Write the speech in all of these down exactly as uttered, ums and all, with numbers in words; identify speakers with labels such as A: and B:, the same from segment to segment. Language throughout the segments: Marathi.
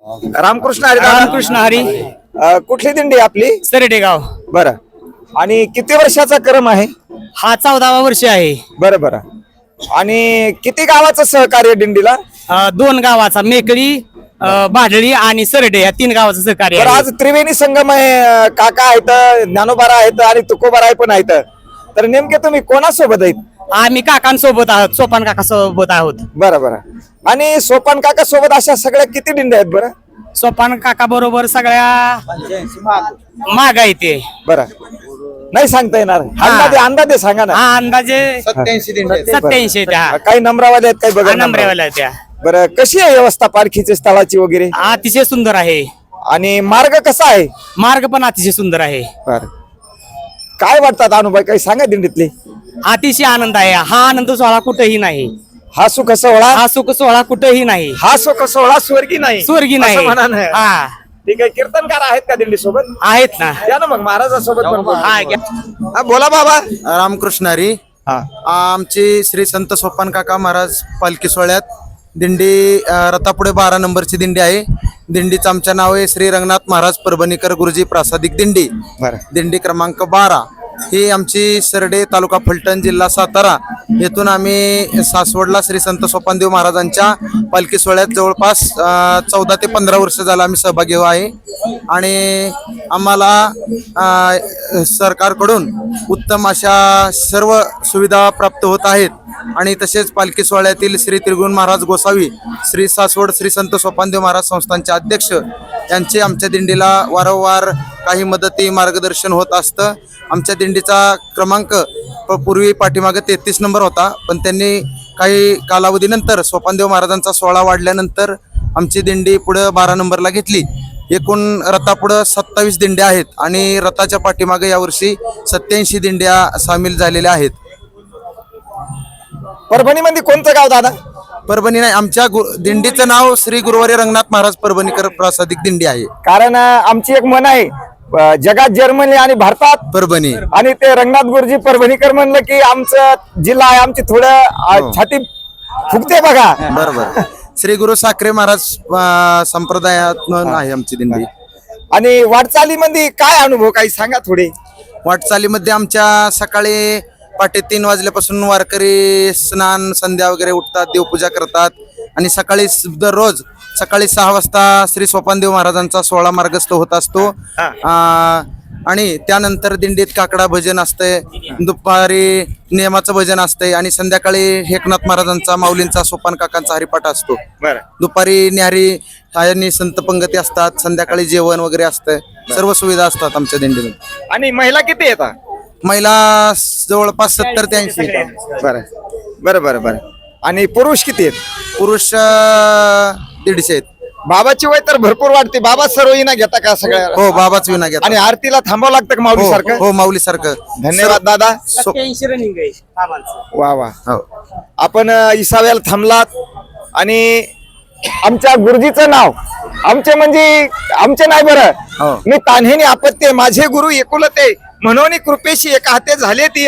A: रामकृष्ण हरी.
B: रामकृष्ण हरी.
A: अ, कुठली दिंडी आपली?
B: सरडे गाव.
A: बरं. आणि किती वर्षाचा क्रम आहे?
B: हा चौदावा वर्ष आहे.
A: बरं बरं. आणि किती गावाचं सहकार्य दिंडीला?
B: अ, दोन गावाचा मेकळी, अ, भाडळी आणि सरडे या तीन गावाचं सहकार्य
A: बरं,
B: आहे.
A: आज त्रिवेणी संगम आहे. अ, काका आहेत, ज्ञानोबारा आहेत आणि तुकोबाराय पण आहेत. तर नेमके तुम्ही कोणासोबत आहेत?
B: आम्ही काकांसोबत आहोत, सोपान काका सोबत आहोत.
A: बरं बरं. आणि सोपान काका सोबत अशा सगळ्या किती दिंड्या आहेत बरं?
B: सोपान काका बरोबर सगळ्या माग आहे ते.
A: बरं, नाही सांगता येणार. अंदाजे अंदाजे सांगा ना.
B: हा अंदाजे
C: सत्याऐंशी दिंडे
B: सत्याऐंशी त्या
A: काही नंबरावाले आहेत, काही बघा नंबरावाले.
B: नंबरेवाल्या त्या.
A: बरं, कशी आहे व्यवस्था पालखीची स्थळाची वगैरे?
B: अतिशय सुंदर आहे.
A: आणि मार्ग कसा आहे?
B: मार्ग पण अतिशय सुंदर आहे.
A: बरं, काय वाटतात अनुभव, काही सांगा दिंडीतले.
B: अतिशय आनंद आहे. हा आनंद सोहळा कुठेही नाही.
A: हा सुख सोहळा,
B: हा सुख सोहळा कुठेही नाही.
A: हा सुख सोहळा स्वर्गी नाही.
B: स्वर्गी
A: असं
B: नाही.
A: म्हणा ना.
B: हा
A: ठीक आहे. कीर्तनकार आहेत का दिंडी सोबत?
B: आहेत ना.
A: या ना मग महाराजासोबत पण बोलू.
B: हा घ्या.
A: हा, बोला बाबा.
C: रामकृष्ण हरी.
A: हा,
C: आमची श्री संत सोपान काका महाराज पालखी सोहळ्यात दिंडी अ, रथापुढे बारा नंबरची दिंडी आहे. दिंडीचं आमचं नाव आहे श्री रंगनाथ महाराज परभणीकर गुरुजी प्रासादिक दिंडी.
A: बरं.
C: दिंडी क्रमांक बारा ही आमची सरडे तालुका फलटण जिल्हा सातारा येथून आम्ही सासवडला श्री संत सोपानदेव महाराजांच्या पालखी सोहळ्यात जवळपास चौदा ते पंधरा वर्ष झालं आम्ही सहभागी आहे. आणि आम्हाला अ, सरकारकडून उत्तम अशा सर्व सुविधा प्राप्त होत आहेत. आणि तसेच पालखी सोहळ्यातील श्री त्रिगुण महाराज गोसावी, श्री सासवड श्री संत सोपानदेव महाराज संस्थानचे अध्यक्ष यांचे आमच्या दिंडीला वारंवार काही मदती मार्गदर्शन होत असतं. आमच्या दिंडीचा क्रमांक प- पूर्वी पाठीमागे तेहतीस नंबर होता, पण त्यांनी काही कालावधीनंतर सोपानदेव महाराजांचा सोहळा वाढल्यानंतर आमची दिंडी पुढं बारा नंबरला घेतली. एकूण रथापुढं सत्तावीस दिंड्या आहेत आणि रथाच्या पाठीमागे यावर्षी सत्याऐंशी दिंड्या सामील झालेल्या आहेत.
A: परभणीमध्ये कोणतं गाव दादा?
C: परभणी नाही, आमच्या गु दिंडीचं नाव श्री गुरुवारी रंगनाथ महाराज परभणीकर प्रासादिक दिंडी आहे.
A: कारण अ, आमची एक मन आहे, अ, जगात जर्मनी आणि भारतात
C: परभणी
A: आणि ते रंगनाथ गुरुजी परभणीकर म्हणलं की आमचं जिल्हा आहे, आमची थोडं अ,
C: हो.
A: छाती फुगते बघा.
C: बरोबर. श्री गुरु साखरे महाराज अं, संप्रदायात आहे आमची दिंडी.
A: आणि वाटचालीमध्ये काय अनुभव, काही सांगा थोडे.
C: वाटचालीमध्ये आमच्या सकाळी पहाटे तीन वाजल्यापासून वारकरी स्नान संध्या वगैरे उठतात, देवपूजा करतात आणि सकाळी स- दररोज सकाळी सहा वाजता श्री सोपानदेव महाराजांचा सोहळा मार्गस्थ होत असतो. अं, आणि त्यानंतर दिंडीत काकडा भजन असतंय, दुपारी नियमाचं भजन असतंय आणि संध्याकाळी एकनाथ महाराजांचा माऊलींचा सोपान काकांचा हरिपाठ असतो. दुपारी न्याहारी आणि संत पंगती असतात, संध्याकाळी जेवण वगैरे असतंय, सर्व सुविधा असतात आमच्या दिंडीमध्ये.
A: आणि महिला किती येतात?
C: महिला जवळपास सत्तर ते ऐंशी.
A: बरं बरं बरं बरं. आणि पुरुष किती आहेत?
C: पुरुष अं, दीडशे आहेत.
A: बाबाची वय तर भरपूर वाटते. बाबा सर्व ना घेता का सगळ्या?
C: हो, बाबाच विना घेतात.
A: आणि आरतीला थांबावं लागतं का माऊली
C: हो
A: सारखं?
C: हो, माऊली सारखं.
A: धन्यवाद दादा.
B: सत्याऐंशी रनिंग आहे बाबांचं.
A: वा वा.
C: हो.
A: आपण अ, इसाव्याला थांबलात आणि आमच्या गुरुजीचं नाव आमचे म्हणजे आमचे नाही
C: हो.
A: बरं, मी तान्हेने आपत्ते माझे गुरु एकुलते म्हणून कृपेशी एका हाते झाले ती.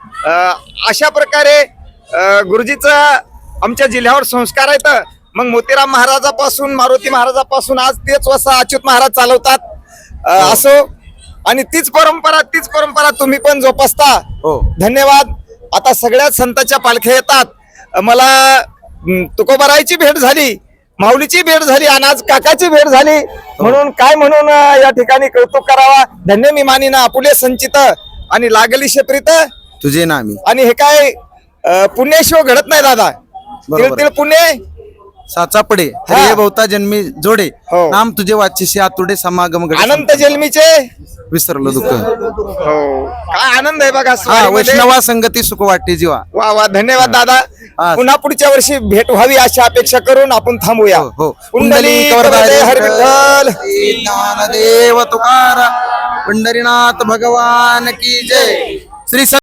A: अशा प्रकारे अ, गुरुजीचं आमच्या जिल्ह्यावर संस्कार आहेत. मग मोतीराम महाराजापासून मारुती महाराजापासून आज तेच वसा अच्युत महाराज चालवतात. अ, असो, आणि तीच परंपरा तीच परंपरा तुम्ही पण जोपासता.
C: हो.
A: धन्यवाद. आता सगळ्याच संतांच्या पालख्या येतात. मला अं, तुकोबारायची भेट झाली, माऊलीची भेट झाली आणि आज काकाची भेट झाली. म्हणून काय म्हणून अं, या ठिकाणी कौतुक करावा. धन्य मी मानिना आपुले संचित आणि लागली शेप्रीत
C: तुझे नामी.
A: आणि हे काय अं, पुण्याशिवाय घडत नाही दादा.
C: बरोबर.
A: तिळ तिळ पुणे
C: साचा पडे
A: हा.
C: हरिये भोवता जन्मी जोडे,
A: हो.
C: नाम तुझे वाचिशी आतुडे समागम घडे.
A: अनंत जन्मीचे
C: विसरलो दुःख.
A: हो, काय आनंद आहे बघा
C: हा,
A: स्वारीमध्ये.
C: वैष्णवा संगती सुख वाटते जीवा.
A: वा वा. धन्यवाद दादा.
C: हा.
A: पुन्हा पुढच्या वर्षी भेट व्हावी अशी अपेक्षा करून आपण थांबूया.
C: हो, हो.
A: कुंडली
C: वरदाय
A: हरी विठ्ठल.
C: ज्ञानदेव तुकारा पंढरीनाथ भगवान की जय. श्री